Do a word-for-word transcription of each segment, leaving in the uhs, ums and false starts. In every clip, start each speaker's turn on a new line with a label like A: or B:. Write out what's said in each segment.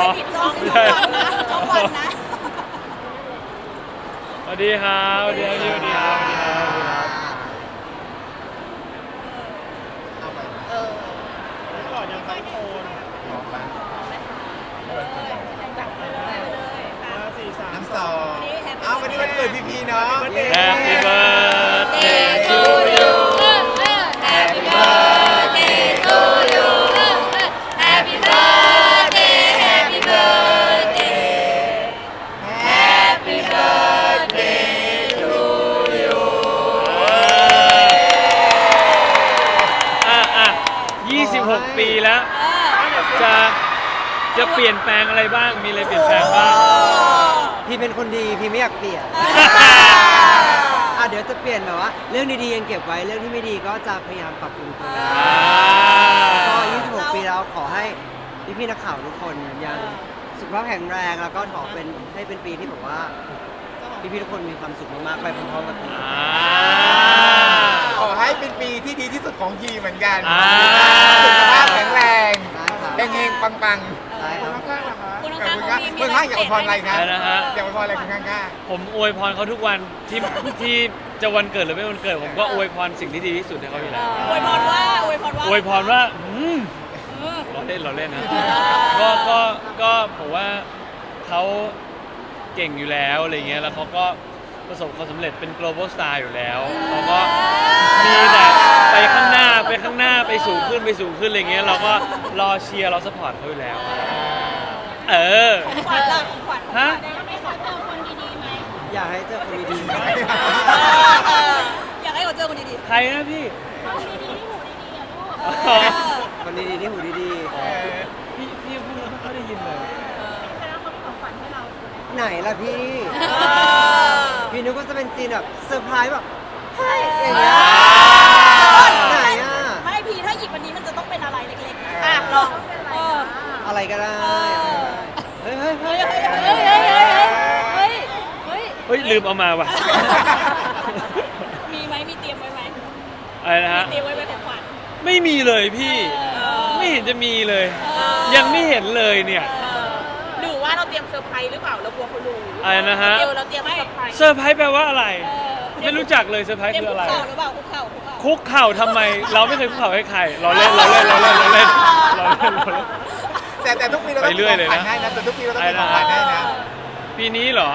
A: ผิดช่องช่องวันนะช่องวันนะ
B: สวัสดีครับสวัสดีครับสวัสดีครับสวัสดีครับสวัสดีครับ
A: เออ
C: ก่อนยังไปโคนออกมาห้าสี่สาม
D: น้ำสองอ้าววันนี้วันเกิดพี่พีเนาะ
B: Happy birthday to you
A: Happy birthday to you Happy birthday Happy birthday Happy birthday to you
B: อ่ะอ่ะยี่สิบหกปีแล้ว จะจะเปลี่ยนแปลงอะไรบ้าง มีอะไรเปลี่ยนแปลงบ้าง
E: พี่เป็นคนดีพี่ไม่อยากเปลี่ยนอ่ะเดี๋ยวจะเปลี่ยนแบบว่าเรื่องดีๆยังเก็บไว้เรื่องที่ไม่ดีก็จะพยายามปรับปรุงตัวก็ยี่สิบหกปีแล้วขอให้พี่ๆนักข่าวทุกคนยังสุขภาพแข็งแรงแล้วก็ขอเป็นให้เป็นปีที่แบบว่าพี่ๆทุกคนมีความสุขมากๆไปพร้อมๆกัน
B: อ่า
D: ขอให้เป็นปีที่ดีที่สุดของพีเหมือนกัน
B: อ่า
D: สุขภาพแข็งแรง
E: ได้ครับ
D: เฮงๆปัง
E: ใช่ครับ
D: ๆ
A: คุณ
D: ขอบ
A: ข้าง
D: คุณ
A: ๆ
D: ครับ
A: มีมี
D: เมื่อข้างอยากอวยพรอะไรครับ
B: อะไรนะฮะ
D: อยากอวยพรอะไรคุณข้าง
B: ผมอวยพรเขาทุกวันที่ที่จะวันเกิดหรือไม่วันเกิด ผมก็อวยพรสิ่งที่ดีที่สุดให้เขาอยู่แล้ว
A: อวยพรว่าอวยพรว่า
B: อวยพรว่าอืม
A: เออ
B: เราเล่นเราเล่นนะ ก็ก็ก็ผมว่าเขาเก่งอยู่แล้วอะไรเงี้ยแล้วเขาก็ประสบความสำเร็จเป็น global star อยู่แล้วเขาก็มีแต่ไปข้างหน้าไปข้างหน้าไปสูงขึ้นไปสูงขึ้นอะไรเงี้ยเราก็รอเชียร์เราสปอร์ตเขาอยู่แล้ว เออ
A: ของขวัญล่ะของขวัญ
B: ฮะ
A: ไม่ขอเจอคนดีๆไหม
E: อยากให้เจอคนดี
A: เอออยากให้เขาเจอคนดีๆ
B: ใครนะพี่
A: คนดีๆที่หูดีๆอ่ะลูก
B: อ๋อ
E: ๆคนดีๆที่หูดี
D: ๆเออ
B: พี่พี่พูดแล้วไม่ค่อยได้ยินเลย
E: ๆไหนล่ะพี่พี่นึกว่าจะเป็นซีนแบบเซอร์ไพรส์แบบเฮ้ยอย่างเงี้ยไหนอ่ะ
A: ไม่พีถ้าหยิบวันนี้มันจะต้องเป็นอะไรเล็กๆนะอ่ะลองเออ
E: อะไรก็ได้เฮ้ยเฮ้ยเฮ้
A: เฮ้
E: ย
A: ยเฮ้ยเฮ้ยเฮ้ยเฮ้ยเฮ้ย
B: เฮ้ยลืมเอามาว่ะ
A: มีไหมมีเตรียมไว้ไหม
B: อะไรนะฮะ
A: เตรียมไว้ไหมของขวัญ
B: ไม่มีเลยพี่ ไม่เห็นจะมีเลย ยังไม่เห็นเลยเนี่ย
A: หรือว่าเราเตรียมเซอร์ไพรส์หรือเปล่าเรากลัวเขารู้
B: อะไรนะฮะ
A: เดี๋ยวเราเตรียมเซอร์ไพรส์
B: เซอร์ไพรส์แปลว่าอะไร ไม่รู้จักเลยเซอร์ไพรส์
A: เตรียม
B: คือ
A: คุ
B: อะ
A: ก
B: ไร
A: เข่าหรือเปล่าคุกเข่าคุกเข่า
B: คุกเข่าทำไม เราไม่เคยคุกเข่าให้ใคร เราเล่นเราเล่นเราเล่นเราเล่นเราเล่นเราเล่น
D: แต่แต่ทุกปีเราต้อง
B: ไปเรื่
D: มี
B: อย
D: ข
B: เล
D: อย งขวัญ
B: นะ
D: ให้นะแต่ทุกปีเราต้องมีของขวัญให้นะ
B: ปีนี้เหรอ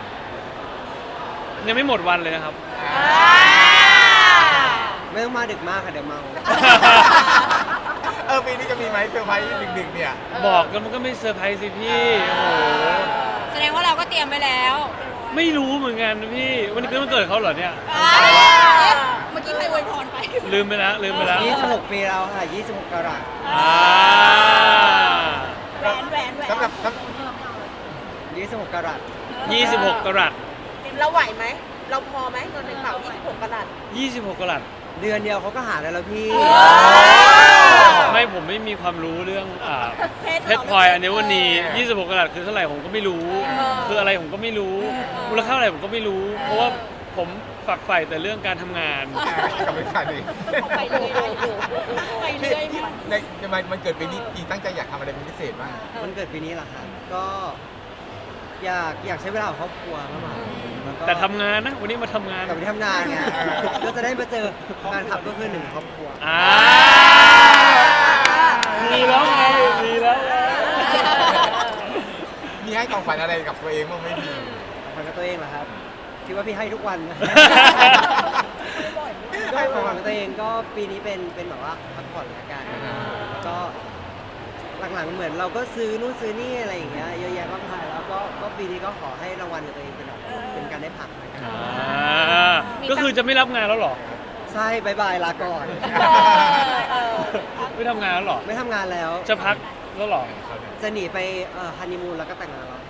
B: ยังไม่หมดวันเลยนะครับ
E: ไม่ต้องมาดึกมากค่ะเดี๋ยวเมา
D: เออปีนี้จะมีไหมเซอร์ไพรส์ดึกๆเนี่ย
B: บอกแล้วมันก็ไม่เซอร์ไพรส์สิพี่ โอ้โห
A: แสดงว่าเราก็เตรียมไว้แล้ว
B: ไม่รู้เหมือนกันนะพี่ วันนี้คือวันเกิดเขาเหรอเนี่ย
A: เมื่อกี้ใครอวยพรไป
B: ลืมไปแล้วลืมไปแล้ว
E: ยี่สิบหกปีแล้วค่ะยี่สิบหกกรัต
B: อ่า
A: แหวนแหวนแหวน
D: สำหรับสำ
E: ยี่สิบหกกรัต
B: ยี่สิบหกกรัต
A: เราไหวไหม เราพอไหมเงินในกระเป๋ายี่สิบหกกะรัต
B: ยี่สิบหกกรัต
E: เดือนเดียวเขาก็หาได้แล้วพี่
B: ไม่ผมไม่มีความรู้เรื่องอ่า
A: เพชร
B: เพชรพลอยอัญมณียี่สิบหกกรัตคือเท่าไหร่ผมก็ไม่รู้ คืออะไรผมก็ไม่รู้ มูลค่าอะไรผมก็ไม่รู้ เพราะว่าผมฝักใฝ่แต่เรื่องการทำงาน
D: กับไม่ขาดเลย
A: ไปเรื่อยไปเรื่อยมาก
D: ในในมันมันเกิดปีนี้พีตั้งใจอยากทำอะไรเป็นพิเศษบ้าง
E: มันเกิดปีนี้เหรอครับก็อยากอยากใช้เวลากับครอบครัวมากกว่าแล้วก็
B: แต่ทำงานนะ วันนี้มาทำงาน
E: กลับไปทำงานไงก็จะได้มาเจอแฟนคลับก็คือหนึ่งครอบครัว
B: อ่าดีแล้วไงดีแล้วไง
D: มีให้ของขวัญอะไรกับตัวเองบ้างไม่มี
E: ของกับตัวเองเหรอครับคิดว่าพี่ให้ทุกวันนะ ก็ของขวัญกับตัวเองก็ปีนี้เป็นเป็นแบบว่าพักผ่อนละกันแล้วก็หลังๆเหมือนเราก็ซื้อนู่นซื้อนี่อะไรอย่างเงี้ยเยอะแยะมากมายแล้วก็ก็ปีนี้ก็ขอให้รางวัลกับตัวเองเป็นแบบเป็นการได้พักละกัน
B: อ่าก็คือจะไม่รับงานแล้วเหรอ
E: ใช่บายบายลาก่อน
B: ไม่ทำงานแล้วเหรอ
E: ไม่ทำงานแล้ว
B: จะพักแล้วเหรอ
E: จะหนีไปฮันนีมูนแล้วก็แต่งงานแล้ว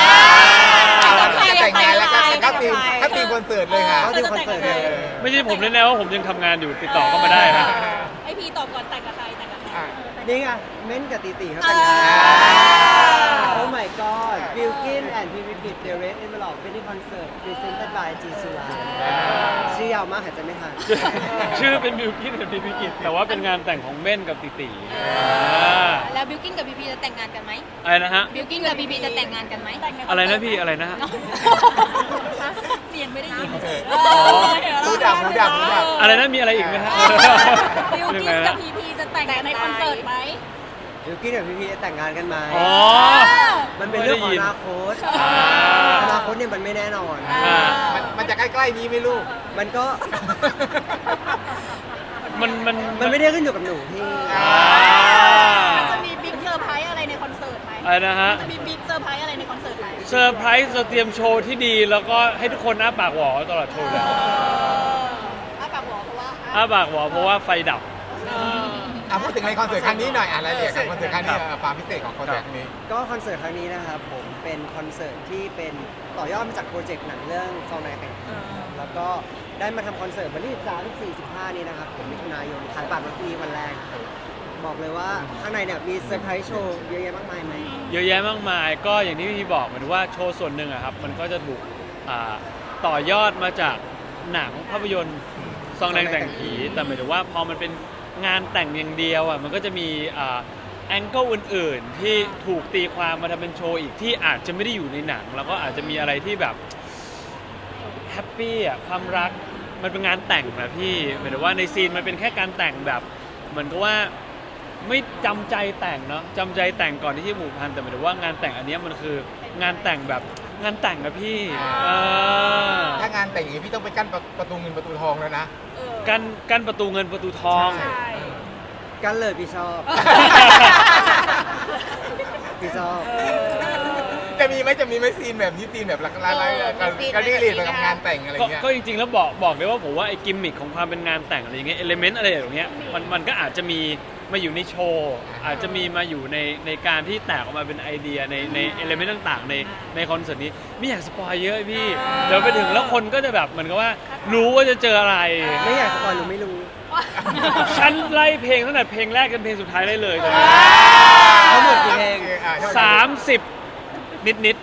D: แต่งงานแล้วก็เข้าทีมเข้าทีมคอนเสิร์ตเลยค่ะ
E: เข้าทีมคอนเสิร์ตเลย
B: ไม่ใช่ผมแน่ๆว่าผมยังทำงานอยู่ติดต่อเข้ามาได้นะ
A: ไอพีตอบก่อนแต่งกับใครแต่งกับใคร
D: อ่ะ
E: นี่ไงเม้นกับตีตีเขาแต่งงาน
A: เ
E: โอ้ my god Bilkin and p v p The Red Envelope Wedding Concert Presented by G s u r a ชื่อยาวมากหายใจไม่ทัน
B: ชื่อเป็นบิวกิ้นกับพีพีกิจแต่ว่าเป็นงานแต่งของเม่นกับติติอ่า
A: แล้วบิวกิ้นกับบีบีจะแต่งงานกันไหม
B: อะไรนะฮะ
A: บิวกิ้นกับบีบีจะแต่งงานกันไหม
B: อะไรนะพี่อะไรนะฮะ
A: เรียนไม่ได้ยิน
D: หูดับหูดับหูดับ
B: อะไรนะมีอะไรอีกไหมฮะ
A: บิวกิ้นกับบีบีจะแต่งในคอนเสิร์ตไหม
E: Bilkin กับ พี พี จะแต่งงานกันไหม
B: อ๋อ
E: มันเป็นเรื่องของอนาคต
B: อ่า
E: อนาคตเนี่ยมันไม่แน่นอน
B: อ่า
D: มันมันจะใกล้ๆนี้ไหมลูก
E: มันก็
B: มันมัน
E: มันไม่ได้ขึ้นอยู่กับหนูพี่
B: อ่า
A: มันจะมีบิ๊กเซอร์ไพรส์อะไรในคอนเสิร์ตไหม
B: อะไรนะฮะ
A: จะมีบิ๊กเซอร์ไพรส์อะไรในคอนเสิร์ตไหม
B: เซอร์ไพรส์เราเตรียมโชว์ที่ดี แล้วก็ให้ทุกคนอ้าปากหวอตลอดโชว์เลย
A: อ้าปากหัวเพราะว่า
B: อ้าปากหวอเพราะว่าไฟดับ
D: อ่ะพูดถึงในคอนเสิร์ตครั้งนี้หน่อยอะไรเนี่ยคอนเสิร์ตครั้งนี้อ่ะความพิเศษของคอนเสิร์ตครั้งนี้
E: ก็คอนเสิร์ตครั้งนี้นะครับผมเป็นคอนเสิร์ตที่เป็นต่อยอดมาจากโปรเจกต์หนังเรื่องซองนายแข่งขันแล้วก็ได้มาทำคอนเสิร์ตวันที่สิบสาม สิบสี่ สิบห้านี้นะครับผมมิถุนายนขายบัตรวันพรุ่งนี้วันแรกครับบอกเลยว่าข้างในเนี่ยมีเซอร์ไพรส์โชว์เยอะแยะมากมายไหม
B: เยอะแยะมากมายก็อย่างที่พี่บอกเหมือนว่าโชว์ส่วนหนึ่งอะครับมันก็จะถูกอ่าต่อยอดมาจากหนังภาพยนตร์ซองแดงแต่งผีแต่หมายถึงว่าพอมันเป็นงานแต่งอย่างเดียวอะมันก็จะมีอ่าแองเกิลอื่นๆที่ถูกตีความมาทำเป็นโชว์อีกที่อาจจะไม่ได้อยู่ในหนัง แล้วก็อาจจะมีอะไรที่แบบแฮปปี้อะความรักมันเป็นงานแต่งนะพี่หมายถึงว่าในซีนมันเป็นแค่การแต่งแบบเหมือนกับว่า ไม่จำใจแต่งเนาะจำใจแต่งก่อนที่จะหมู่พันแต่หมายถึงว่างานแต่งอันเนี้ยมันคืองานแต่งแบบงานแต่งนะพี่เออ
D: ถ้างานแต่งอย่างนี้พี่ต้องไปกั้นประประตูเงินประตูทองแล้วนะ
B: กันกันประตูเงินประตูทอง
D: ใช่
E: กันเลยพี่ชอบ พี่ชอบ
D: จะมีไหมจะมีไหมซีนแบบนี้ซีนแบบอะไรอะไรการรีลีดกับงานแต่งอะไร
B: ก็
D: เงี้ย
B: ก็จริงๆแล้วบอกบอกเลยว่าผมว่าไอ้กิมมิคของความเป็นงานแต่งอะไรอย่างเงี้ยเอลิเมนต์อะไรอย่างเงี้ยมันมันก็อาจจะมีมาอยู่ในโชว์อาจจะมีมาอยู่ในในการที่แตกออกมาเป็นไอเดียในในเอลิเมนต์ต่างๆในในคอนเสิร์ตนี้ไม่อยากสปอยเยอะพี่เดี๋ยวไปถึงแล้วคนก็จะแบบเหมือนกับว่ารู้ว่าจะเจออะไร
E: ไม่อยากสปอยหรือไม่รู้
B: ฉันไล่เพลงตั้งแต่เพลงแรกจนเพลงสุดท้ายได้เลยตอนนี้
E: ทั้งหมดกี่เพลง
B: สามสิบนิดนิด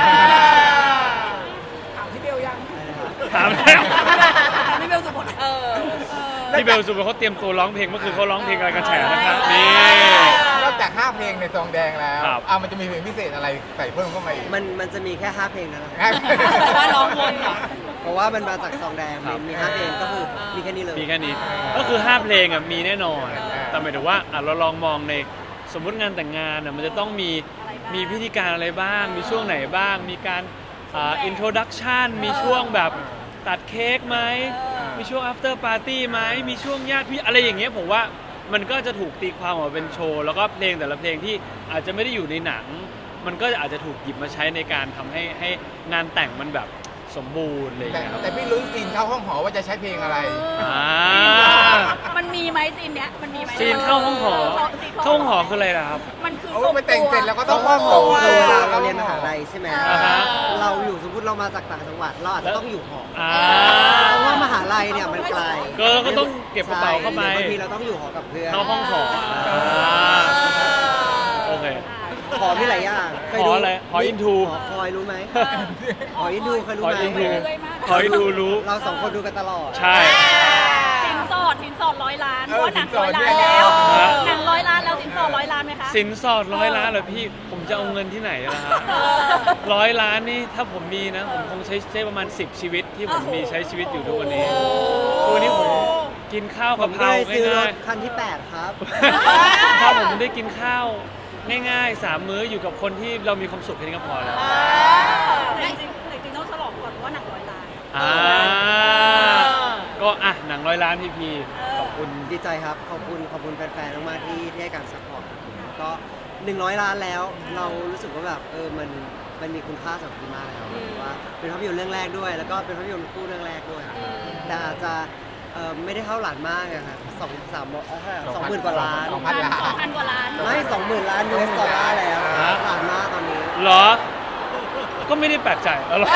A: ถามพี่เบลยัง
B: ๆถามแล้ว
A: ถามพี่เบลสุพลเออ
B: พี่เบลสุภเขาเตรียมตัวร้องเพลงเมื่อคืนเขาร้องเพลงอะไรกันแฉนะครับนี่
D: นอกจากห้าเพลงในซองแดงแล้ว
B: ครับ
D: อ่ะมันจะมีเพลงพิเศษอะไรใส่เพิ่มเข้ามาอีก
E: มันมันจะมีแค่ห้าเพลงนะค
D: ครั
E: รับ
D: บ
A: ว่าร้องวนเหรอ
E: เพราะว่ามันมาจากซองแดง
B: ครับ
E: มีห้าเพลงก็คือมีแค่นี้เลย
B: มีแค่นี้ก็คือห้าเพลงอ่ะมีแน่นอน แต่หมายถึงว่าอ่ะเราลองมองในสมมุติงานแต่งงานอ่ะมันจะต้องมีมีพิธีการอะไรบ้าง มีช่วงไหนบ้าง มีการอ่าอินโทรดักชันมีช่วงแบบตัดเค้กไหมมีช่วง after party ไหมมีช่วงญาติพี่อะไรอย่างเงี้ยผมว่ามันก็จะถูกตีความออกมาเป็นโชว์แล้วก็เพลงแต่ละเพลงที่อาจจะไม่ได้อยู่ในหนัง มันก็อาจจะถูกหยิบมาใช้ในการทำให้ให้งานแต่งมันแบบสมบูรณ์อะไรอย่าง
D: แต่
B: เงี้ยครับ
D: แต่พี่ลุ้นซีนเข้าห้องหอว่าจะใช้เพลงอะไร
B: อ่า
A: มันมีไหมซีนเนี้ยมันมีไหม
B: ซีนเข้าห้องหอ
A: ซีน
B: เข้าห้องหอคืออะไรล่ะครับ
A: มันคือ
D: โอ้
A: ส่ง
D: ไปแต่งเสร็จแล้วก็
E: ต้
D: ต้
E: อ
D: อง ง
E: ห้
D: ห้
E: อ
D: อง ง
E: ห
D: ห
E: อ
D: อ
E: คือเวลาเราเรียนมหาลัยใช่ไหม
B: อ่าฮะ
E: เราอยู่สมมติเรามาจากต่างจังหวัดเราอาจจะต้องอยู่หอ
B: อ่า
E: เพราะว่ามหาลัยเนี่ยมันไกล
B: ก็เราก็ต้องเก็บกระเป๋าเข้าไป
E: ใช่บางทีเราต้องอยู่หอกับเพื่อน
B: เข้าห้องหออ่าโอเค
E: หอมีหลายอย่างเคย
B: ห
E: ดู
B: ออะไรหออินทู
E: หอคอยรู้ไหมหออินทูเคยรู้
B: ขอ
E: ไหม
B: อินทูขออินทูรู้
E: เราสองคนดูกันตลอด
B: ใช่
A: สินสอดสินสอดร้อยล้านเพ
D: เออ
A: ราะว่าหนัง
D: สินส
A: ร้
D: อ
A: อ
D: ด
A: ยล้าน
D: เนี่ย
A: แล้ว
B: ฮะ
A: หนังร้อยล้านแล้วสินสอดร้อยล้านไหมคะ
B: สินสอดร้อยล้านเหรอพี่ ผมจะเอาเงินที่ไหนล่ะฮะร้อยล้านนี่ถ้าผมมีนะ ผมคงใช้ใช้ประมาณสิบชีวิตที่ผมมีใช้ชีวิตอยู่ทุกวันนี้ทุกวันนี้ผมกินข้าว
E: ผ
B: กะ
E: ม
B: เพ
E: ก็
B: รา
E: เลยซื้อร
B: ง่า
E: ถ
B: ย
E: คันที่แปดครับ
B: ๆถ้าผมได้กินข้าวง่ายๆสามมื้ออยู่กับคนที่เรามีความสุขแค่นี้ก็พอแล้ว
A: แต่จริงๆจริงๆต้องฉลองก่อนเพราะว่าหนังร้อยล้าน
B: อ่าก็อ่ะหนังร้อยล้านพีพีขอบคุณ
E: ดีใจครับ ขอบคุณขอบคุณแฟนๆมากๆที่ที่ให้การซัพพอร์ตก็หนึ่งร้อยล้านแล้ว เรารู้สึกว่าแบบเออมันมันมีคุณค่าสำหรับพี่มากแล้วว่าเป็นภาพยนตร์เรื่องแรกด้วย แล้วก็เป็นภาพยนตร์คู่เรื่องแรกด้วยแต่อาจจะเออไม่ได้เท่าหลานมากอะครับสองสามเอ่อสองหมื่นกว่าล้าน
D: สองพันล้าน
A: สองพันกว่าล้าน
E: ไม่สองหมื่นล้านยูเอสดอลลาร์แล้ว
B: ฮะ
E: หลานมากตอนนี้
B: เหรอ ก็ไม่ได้แปลกใจแล้วหรอ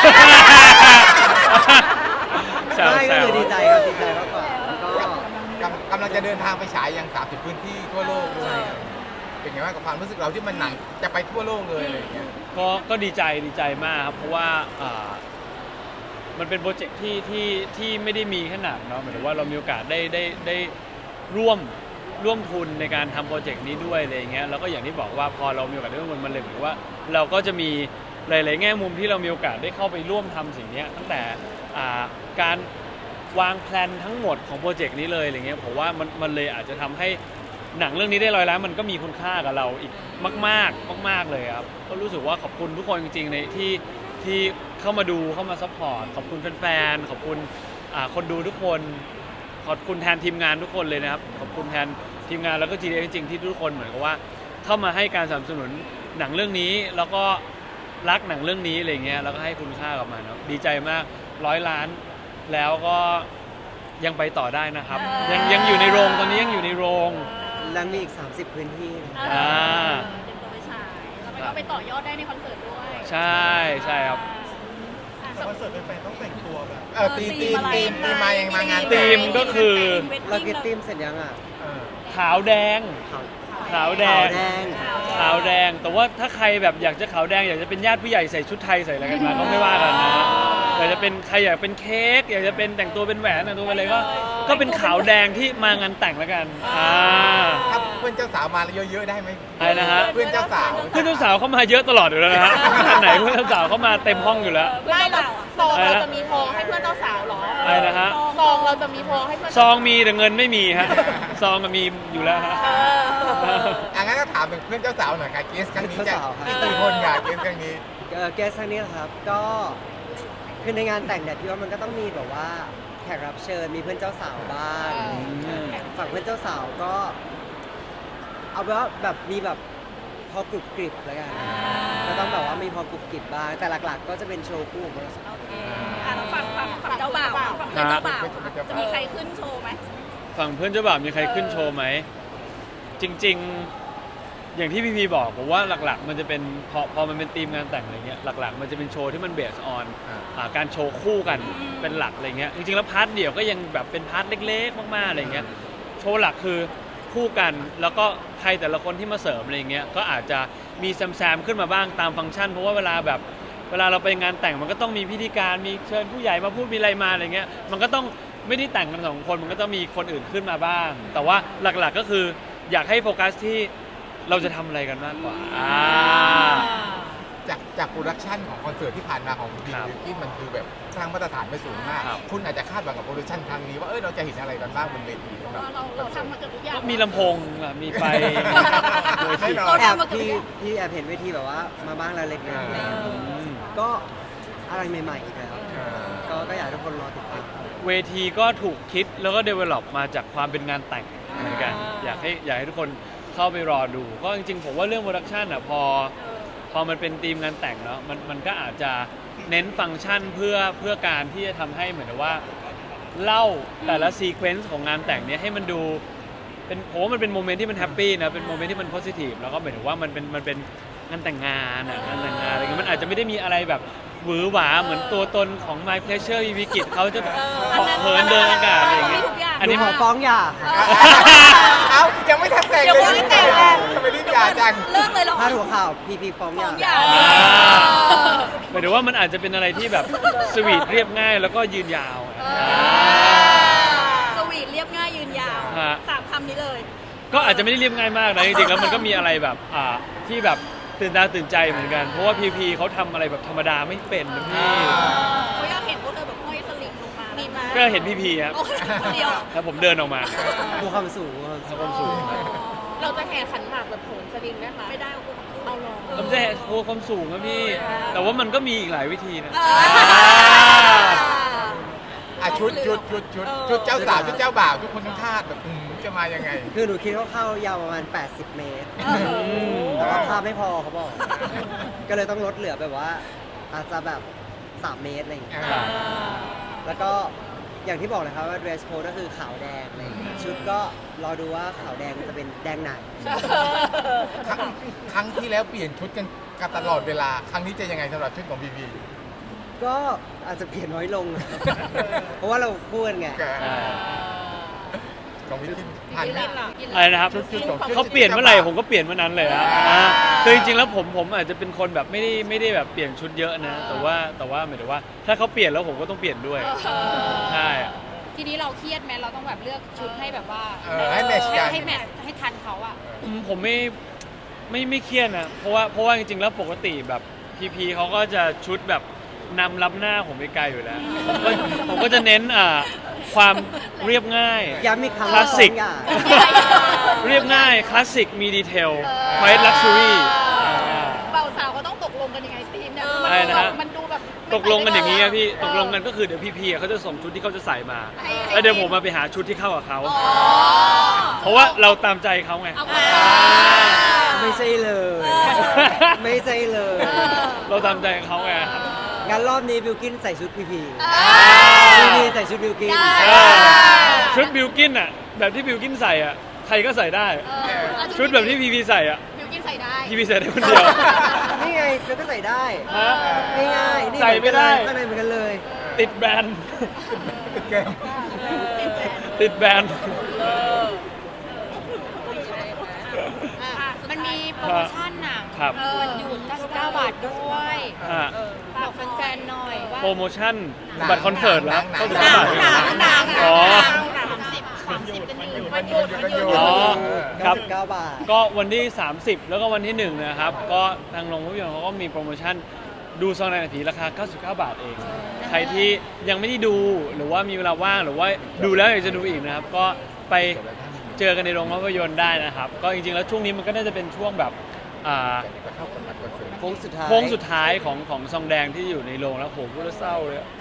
B: แซว
E: ไม่
B: แซ
E: ก็
B: ว
E: คือดีใจครับดีใจมากกว่าแล้วก็
D: กำกำลังจะเดินทางไปฉายยังสามสิบพื้นที่ทั่วโลกด้วยเป็นไงบ้างกับความรู้สึกเราที่มันหนังจะไปทั่วโลกเลยอะไรอย่างเงี้ย
B: ก็ก็ดีใจดีใจมากครับเพราะว่าอ่ามันเป็นโปรเจกต์ที่ที่ที่ไม่ได้มีแค่หนังเนาะหมายถึงว่าเรามีโอกาสได้ได้ได้ร่วมร่วมทุนในการทำโปรเจกต์นี้ด้วยอะไรอย่างเงี้ยแล้วก็อย่างที่บอกว่าพอเรามีโอกาสได้ร่วมทุนมันเลยเหมือนว่าเราก็จะมีหลายๆแง่มุมที่เรามีโอกาสได้เข้าไปร่วมทำสิ่งนี้ตั้งแต่อ่าการวางแผนทั้งหมดของโปรเจกต์นี้เลยอะไรเงี้ยผมว่ามันมันเลยอาจจะทำให้หนังเรื่องนี้ได้ร้อยล้านมันก็มีคุณค่ากับเราอีกมากๆมากๆเลยครับก็รู้สึกว่าขอบคุณทุกคนจริงๆในที่ที่เข้ามาดูเข้ามาซัพพอร์ตขอบคุณแฟนๆขอบคุณอ่าคนดูทุกคนขอบคุณแทนทีมงานทุกคนเลยนะครับขอบคุณแทนทีมงานแล้วก็ จี ดี เอ็กซ์ จริงๆที่ทุกคนเหมือนกับว่าเข้ามาให้การสนับสนุนหนังเรื่องนี้แล้วก็รักหนังเรื่องนี้อะไรเงี้ยแล้วก็ให้คุณค่ากับมันเนาะดีใจมากร้อยล้านแล้วก็ยังไปต่อได้นะครับยังยังอยู่ในโรงตอนนี้ยังอยู่ในโรง
E: แล้วมีอีกสามสิบพื้นที่
B: อ่า
A: เตรียมตัวไปฉายแล้วมันก็ไปต่อยอดได้ในคอนเสิร์ตด้วย
B: ใช่ใช่ครับ
A: อ่ะ
C: แต่คอนเสิร์ตแฟนๆต้องแต่งตัวแบบ
D: เออตีมตีมตีมตีมมายังมางาน
B: ธีมก็คือ
E: เราเก็ตติ้มเสร็จยังอ่ะ
D: เออ
B: ขาวแดง
E: ขาว
B: ขาวแด
E: ขาว
B: ง
E: แดง
B: ขาวแดงแต่ว่าถ้าใครแบบอยากจะขาวแดงอยากจะเป็นญาติผู้ใหญ่ใส่ชุดไทยใส่อะไรกันมาก็ไม่ว่ากันนะอยากจะเป็นใครอยากเป็นเค้กอยากจะเป็นแต่งตัวเป็นแหวนแต่งตัวเป็นอะไรก็ก็เป็นขาวแดงที่มางานแต่งแล้วกันอ่า
D: ถ้าเพื่อนเจ้าสาวมาเยอะๆได้ไหม
B: อะไรนะฮะ
D: เพื่อนเจ้าสาว
B: เพื่อนเจ้าสาวเข้ามาเยอะตลอดอยู่แล้วนะฮะงานไหนเพื่อนเจ้าสาวเข้ามาเต็มห้องอยู่แล้ว
A: ได้เหรอ
F: ซองเราจะมีพอให้เพื่อนเจ้าสาวเหรอ
B: อะไรนะฮะ
F: ซองเราจะมีพอให้เพื่อน
B: ซองมีแต่เงินไม่มีฮะซองมันมีอยู่แล้วฮะ
F: เออ
D: อ่ะงั้นก็ถามถึงเพื่อนเจ้าสาวหน่อยค่ะเกสครั้งนี้จะมีกี่คนค่ะเกสครั้งนี้
E: เอ่อแกสครั้งนี้นะครับก็คือในงานแต่งเนี่ยพี่ว่ามันก็ต้องมีแบบว่าแขกรับเชิญมีเพื่อนเจ้าสาวบ้าง
B: อืม
E: ฝั่งเพื่อนเจ้าสาวก็ เอาเป็นว่าแบบมีแบบพอกรุบกริบแล้วกันก็ต้องแบบว่ามีพอกรุบกริบบ้างแต่หลักๆ ก็จะเป็นโชว์คู่ของเราสองคน
A: อ่ะแล้วฝั่งฝั่งฝั่งเจ้าบ่าวอ่ะฝั่งเพื่อนเจ้าบ่าวอ่ะจะมีใครขึ้นโชว์ไหม
B: ฝั่งเพื่อนเจ้าบ่าวมีใครขึ้นโชว์ไหมจริง ๆ อย่างที่พี่พีบอกผมว่าหลักๆ มันจะเป็นพอพอมันเป็นธีมงานแต่งอะไรเงี้ยหลักๆ มันจะเป็นโชว์ที่มันเบสออน
D: อ่า
B: การโชว์คู่กันเป็นหลักอะไรเงี้ยจริงๆแล้วพาร์ทเดี่ยวก็ยังแบบเป็นพาร์ทเล็กๆมากๆอะไรเงี้ยโชว์หลักคือคู่กันแล้วก็ใครแต่ละคนที่มาเสริมอะไรเงี้ยก็อาจจะมีแซมๆขึ้นมาบ้างตามฟังก์ชันเพราะว่าเวลาแบบเวลาเราไปงานแต่งมันก็ต้องมีพิธีการมีเชิญผู้ใหญ่มาพูดมีอะไรมาอะไรเงี้ยมันก็ต้องไม่ได้แต่งกันสองคนมันก็ต้องมีคนอื่นขึ้นมาบ้าง แต่ว่าหลักๆก็คืออยากให้โฟกัสที่เราจะทำอะไรกันมากกว่าอ่า
D: จากจากโปรดักชันของคอนเสิร์ตที่ผ่านมาของบี
B: ครับ
D: บิวกิ้นมันคือแบบสร้างมาตรฐานไปสูงมาก
B: ครับ
D: คุณอาจจะคาดหวังกับโปรดักชันครั้งนี้ว่าเออเราจะเห็นอะไรกันบ้างบนเวทีสำหรับ
A: เราเราทำมาเกือบทุกอย่าง
B: ก็มีลำโพงอ่ะมีไฟ
D: แน่นอน
E: แอบพี่พี่แอบเห็นเวทีแบบว่ามาบ้างแล้วเล็กน้อย
D: อ่า
E: ก็อะไรใหม่ๆอีกแล้ว
D: เออ
E: ก็ก็อยากให้ทุกคนรอติดตาม
B: เวทีก็ถูกคิดแล้วก็ develop มาจากความเป็นงานแต่งเหมือนกัน อยากให้อยากให้ทุกคนเข้าไปรอดู ก็จริงๆผมว่าเรื่องโปรดักชันอ่ะพอพอมันเป็นธีมงานแต่งเนาะมันมันก็อาจจะเน้นฟังก์ชันเพื่อเพื่อการที่จะทำให้เหมือนกับว่าเล่าแต่ละซีเควนซ์ของงานแต่งเนี้ยให้มันดูเป็นผมว่ามันเป็นโมเมนต์ที่มันแฮปปี้นะเป็นโมเมนต์ที่มันโพสิทีฟแล้วก็หมายถึงว่ามันเป็นมันเป็นงานแต่งงานอ่ะงานแต่งงานอะไรเงี้ยมันอาจจะไม่ได้มีอะไรแบบหวือหวาเหมือนตัวตนของ My Pleasure อีวิกิตเขาจะเหาะเหินเดินอากาศอะไรอย่างเงี้ยอันนี้
E: หนูขอฟ้องหย่าค่ะ
D: เอ้ายังไม่ทันแต่ง
A: ยัง
D: เลย
A: ไม่ได้แต่งเลย
D: ทำไมรีบหย่าจัง
A: เลิกเลยเหรอ
E: พาดหัวข่าวพีพีฟ้องหย่า
A: ฟ้องหย่า
B: อ่าหมายถึงว่ามันอาจจะเป็นอะไรที่แบบสวีทเรียบง่ายแล้วก็ยืนยาว
A: สวีทเรียบง่ายยืนยาว
B: ฮะ
A: สามคำนี้เลย
B: ก็อาจจะไม่ได้เรียบง่ายมากนะจริงๆแล้วมันก็มีอะไรแบบอ่าที่แบบตื่นตาตื่นใจเหมือนกัน เพราะว่าพีพีเขาทำอะไรแบบธรรมดาไม่เป็นนะพี่
A: เขาอยากเห็นพวกเธอแบบห้อยสลิงลงมามีไหม
B: ก็เห็นพีพีครับ
A: โอ้ยคนเดียว
B: แล้วผมเดินออกมา
E: ดูความสูงความสูง
B: ความสูง
F: เราจะแห่ขันหมากแบบโหนสลิงได้ไหม
A: ไม่ได้เอากูมาพูด
F: เอาหรอ
B: ผมจะโชว์ความสูงนะพี่ แต่ว่ามันก็มีอีกหลายวิธีนะ
A: อ่า
D: อ่ะชุดชุดชุดชุดชุดเจ้าสาวชุดเจ้าบ่าวทุกคนต้องคาดแบบอืมจะมายังไง
E: คือหนูคิดว่าเข้ายาวประมาณ แปดสิบ เมตร
A: เออ
E: แต่ว่าภาพไม่พอเขาบอก ก็เลยต้องลดเหลือแบบว่า อาจจะแบบ สาม เมตรอะไรอย่างเงี้ย
D: อ่า
E: แล้วก็อย่างที่บอกเลยครับว่า dress code ก็คือขาวแดงอะไรอย่างเงี้ยชุดก็รอดูว่าขาวแดงจะเป็นแดงไหน
D: ครั้งครั้งที่แล้วเปลี่ยนชุดกันกันตลอดเวลา ครั้งนี้จะยังไงสำหรับชุดของบีบี
E: ก็อาจจะเปลี่ยนน้อยลง เพราะว่าเราคู่กันไง
B: ใช่
D: ของพี่กินผ่านไหม
B: อะไรนะครับ
D: ชุดชุดของ
B: เขาเปลี่ยนเมื่อไหร่ผมก็เปลี่ยนเมื่อนั้นเลยนะอ่าคือจริงๆแล้วผมผมอาจจะเป็นคนแบบไม่ได้ไม่ได้แบบเปลี่ยนชุดเยอะนะ แต่ว่าแต่ว่าหมายถึงว่า ถ้าเขาเปลี่ยนแล้วผมก็ต้องเปลี่ยนด้วยใช่
G: ทีนี้เราเครียดไหมเราต้องแบบเลือกชุดให้แบบว่า
D: เออให้แมทช์กัน
G: ให้แมทช์ให้ทันเขาอะ
B: อืมผมไม่ไม่ไม่เครียดนะเพราะว่าเพราะว่าจริงๆแล้วปกติแบบพีพีเขาก็จะชุดแบบนำรับหน้าผมไปไกลอยู่แล้วผมก็ผมก็จะเน้นอ่าความเรียบง่าย
E: ย้ำอีกครั้ง
B: คลาสสิก
E: สองอย่าง
B: เรียบง่ายคลาสสิกมีดีเทลไวท์ลักชัวรี่
A: เบาสาวก็ต้องตกลงกันยังไงทีมเนี่ย
B: อะไรนะฮะ
A: มันดูแบบ
B: ตกลงกันอย่างนี้อะพี่ตกลงกันก็คือเดี๋ยวพีพีเขาจะส่งชุดที่เขาจะใส่มา แล้วเดี๋ยวผมมาไปหาชุดที่เข้ากับเขา เพราะว่าเราตามใจเขาไง
A: เอาไป
E: ไม่ใช่เลย ไม่ใช่เลย
B: เราตามใจเขาไง
E: งั้นรอบนี้บิวกินใส่ชุดพีพี
A: เอ
E: พี
A: อ
E: พีใส่ชุดบิวกิน
A: ได้
B: เออชุดบิวกินอ่ะแบบที่บิวกินใส่อ่ะใครก็ใส่ได้ ชุดแบบที่พีพีใส่อ่ะ
A: บิวกินใส่ได้
B: พีพีใส่ได้คนเดียว
E: นี่ไงเธอก็ใส่ได้
B: ฮะ
E: ง่ายๆนี่
B: ใส่ไม่ได้
E: ข้างในเหมือนกันเลย
B: ติดแบรนด์
D: ติดเกม
B: ติดแบรนด์
G: มันมีโปรโมชั่นน่ะ
B: ครับ
G: วันหยุดเก้าสิบเก้าบาทด้วย
B: ฮะ
G: บอกแฟนๆหน่อยว่า
B: โปรโมชั่นบัตรคอนเสิร์ตแล้ว
D: หนัง
B: ก็จะ
D: หนั
B: บาง ท
A: หนังหนัง
B: อ๋อ
A: สามสิบสามสิบกันอยู่
D: มันหยุดมันหยุด
B: อ๋อ ครับ
E: เก้าสิบเก้าบาท
B: ก็วันที่ สามสิบ แล้วก็วันที่หนึ่งนะครับ ก็ทางโรงภาพยนตร์เขาก็มีโปรโมชั่นดูซองในนาทีราคา เก้าสิบเก้า บาทเอง ใครที่ยังไม่ได้ดูหรือว่ามีเวลาว่างหรือว่าดูแล้วอยากจะดูอีกนะครับ ก็ไปเจอกันในโรงภาพยนตร์ได้นะครับ ก็จริงๆแล้วช่วงนี้มันก็น่าจะเป็นช่วงแบบอ่า
E: โค้งสุดท้าย
B: โค้งสุดท้ายของของซองแดงที่อยู่ในโรงแล้วโหพูดแล้วเศร้าเลยอะ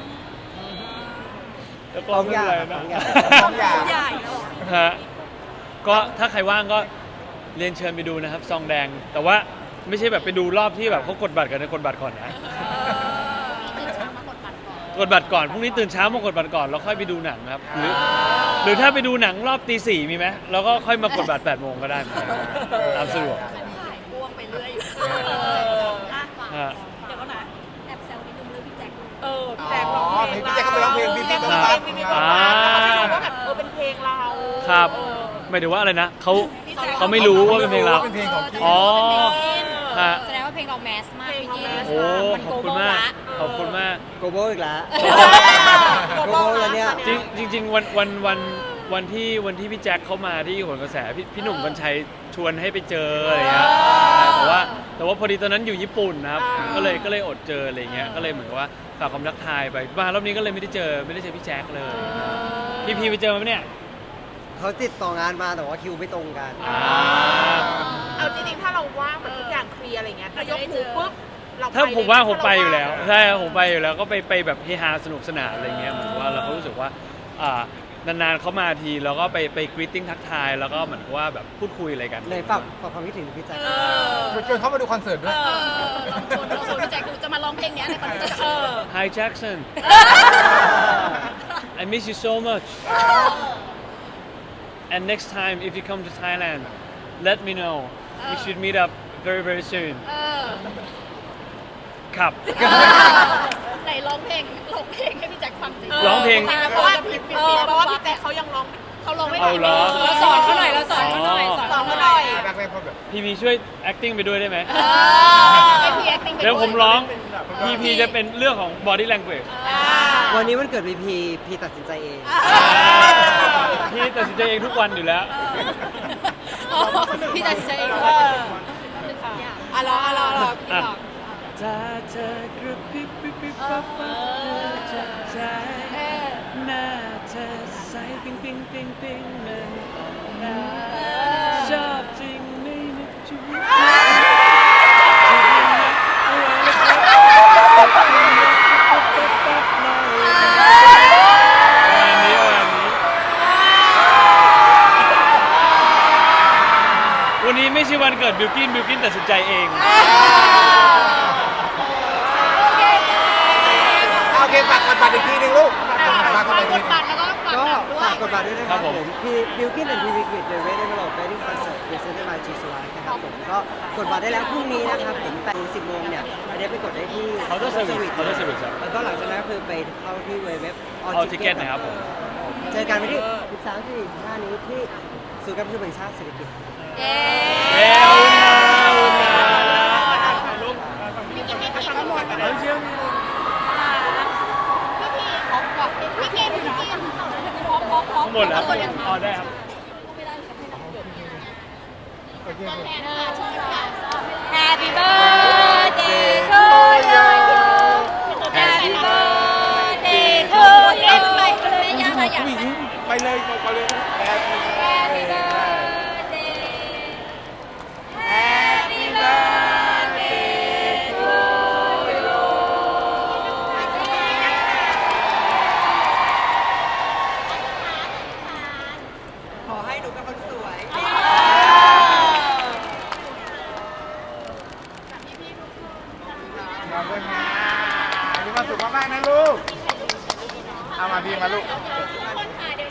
B: แล้วก็
E: สอง
B: ไม่
E: อ
B: เป็น
E: ย่าง
B: ไร
E: ส
B: นะ
E: องอย่าง
D: สองอย่าง
A: ใหญ่
B: ฮะก็ถ้าใครว่างก็เรียนเชิญไปดูนะครับซองแดง แต่ว่าไม่ใช่แบบไปดูรอบที่แบบเขากดบัตรกันนะกดบัตรก่อนนะ
A: ตื่นเช้ามากดบัตรก่อน
B: กดบัตรก่อนพรุ่งนี้ตื่นเช้ามากดบัตรก่อนแล้วค่อยไปดูหนังครับหรือหรือถ้าไปดูหนังรอบตีสี่มีไหมแล้วก็ค่อยมากดบัตรแปดโมงก็ได้เหมือนกันตามสะดวก
A: ขายพ่วงไปเรื่อยอยู่อ่ะ
B: ฮะ
A: เดี๋ยวก็นะแอบแซวนิดนึงเรื่องพี่แจ็ค
F: เออพี่แจ็คร้อง
D: อ๋อ
F: เพลง
D: พี่แจ็คเขาไปร้องเพลงพี่พี่
F: ร้
D: ต้
F: อ
D: อง ง
F: เพ
D: รั
F: ล
D: บ
F: งพี่พี่ต้องรับแล้วเขาไม่รู้ว่าแบบเออเป็นเพลงเรา
B: ครับ
F: เออ
B: หมายถึงว่าอะไรนะเขาเขาไม่รู้ว่าเป็นเพลงเรา
D: เป็นเพลงของพี่
B: อ๋อฮะ
G: แสดงว่าเพลงเราแมสมากพี่กิน
B: โอ้
G: มัน
B: ขอบคุณมากขอบคุณมาก
E: โกโบอีกแล้ว
F: โก
E: โกโบแล้วเนี่ย
B: จริงจริงๆวันวันวันวันที่วันที่พี่แจ็คเข้ามาที่โหนกระแสพี่พี่หนุ่มกัญชัยชวนให้ไปเจออะไรเงี้ยแต่ว่าแต่ว่าพอดีตอนนั้นอยู่ญี่ปุ่นนะครับก็เลยก็เลยอดเจออะไรเงี้ยก็เลยเหมือนกับว่าฝากความรักทายไปมารอบนี้ก็เลยไม่ได้เจอไม่ได้เจอพี่แจ็คเลยพี่พีไปเจอไหมเนี่ย
E: เขาติดต่องานมาแต่ว่าคิวไม่ตรงกัน
B: อ่า
F: เอาจริงๆถ้าเราว่างแบบทุกอย่างเคลียร์อะไรเงี้ยถ้ายกหูปุ๊บเราไป
B: ถ้าผมว่าผมไปอยู่แล้ว
F: ถ้าเรา
B: ใช่ครับผมไปอยู่แล้วก็ไปไปแบบเฮฮาสนุกสนานอะไรเงี้ยเหมือนว่าเราก็รู้สึกว่าอ่านานๆเขามาทีแล้วก็ไปไปกรีตติ้งทักทายแล้วก็เหมือนกับว่าแบบพูดคุยอะไรกัน
E: เลยฝากฝากความคิดถึงพี่แจ็ค
D: ชวนเขามาดูคอนเสิร์ตด้วย
A: เออลองชวนลองชวนพี่แจ็คดูจะมาร้องเพลงเนี้ยในคอนเสิร์ต
F: เออ
B: Hi Jackson I miss you so much and next time if you come to Thailand let me know we should meet up very very soon
A: เออ
B: ครับ
A: ไหนร้องเพลงร้องเพลงให้พี่แจ็คฟังสิ
B: ร้องเพลง
F: เพราะว่าเออเพราะว่าพี่แจ็คเขายังร้อง
A: เขาร้องไม่
B: เอาเหรอ
G: เราสอนเขาหน่อยเราสอนเขาหน่อยสอน
F: สอน
G: เขา
F: เขา
G: ห
F: ห
G: น่
F: น่
G: อ
F: อย ย
D: รักแรกพบแบบ
B: พีพีช่วย acting ไปด้วยได้ไหม
A: เออให้พี่ acting ไป
B: เดี๋ยวผมร้อง
A: ด้วย
B: พีพีจะเป็นเรื่องของ body language
A: อ่า
E: วันนี้มันเกิดพีพีพีตัดสินใจเอง
B: พี่ตัดสินใจเองทุกวันอยู่แล้ว
G: อ๋อพี่ตัดสินใจเองด้วยอ่ะรออ่ะรอรอพี่บอก
B: ถ้าเธอกระพริบปิ๊บปิ๊บปั๊บปั๊บเธอจะใจหน้าเธอใสปิ๊งปิ๊งปิ๊งปิ๊งมันออกมาชอบจริงไม่นึกชีวิตวันนี้วันนี้วันนี้ไม่ใช่วันเกิดบิลกินบิลกินตัดสินใจเอง
D: โอเคฝากกดบัตรอีกทีนึงลูกฝากกดบัตร
A: ฝาก
D: อีก
A: ก
D: ที
A: ด
D: นึง
A: บัตรแล้วก็ฝาก
E: ก็
A: หนังด้วย
E: ฝากกดบัตรด้วยนะค
B: ครั
E: รับบ ผ
B: ผม ม
E: พี่บิลกินแอนด์พีวิกิตเดอะเวทเดเวลลอปเวดดิ้งคอนเสิร์ตเดอะเซนต์มาจีสไลท์นะครับผมก็กดบัตรได้แล้วพรุ่งนี้นะครับผมแปดถึงสิบโมงเนี่ยอันนี้ไปกดได้ที่
B: Counter Service Counter Service ครับ
E: แล้วก็หลังจากนั้นก็คือไปเข้าที่เว็บ
B: All Ticket นะครับผม
E: ผมเจอกันวันที่สิบสามถึงสิบห้านี้ที่ศูนย์การประชุมแห่งชาติเศรษฐกิจ
G: เย้
B: เอ้ยเอาอุ่นนะเอาอุ่นนะ
F: พี่กินไม่กินทั้งหมด
B: เอาเชื่อม
F: พี่กินพี่กินพี่กิน
B: ทั้งหมดแล้วอ๋อได้ครับ
G: Happy birthday to you Happy birthday to you ไปเลยยังไงอยาก
D: ไปเลยไปเลย Happy
G: Happy birthday Happy birthday to you
E: ขอให้หนูเป็นคนสวย
D: ขอบคุณนะมีความสุขมากๆนะลูก เอามาพี่มาลูก
F: คนค่ะเดี๋ยว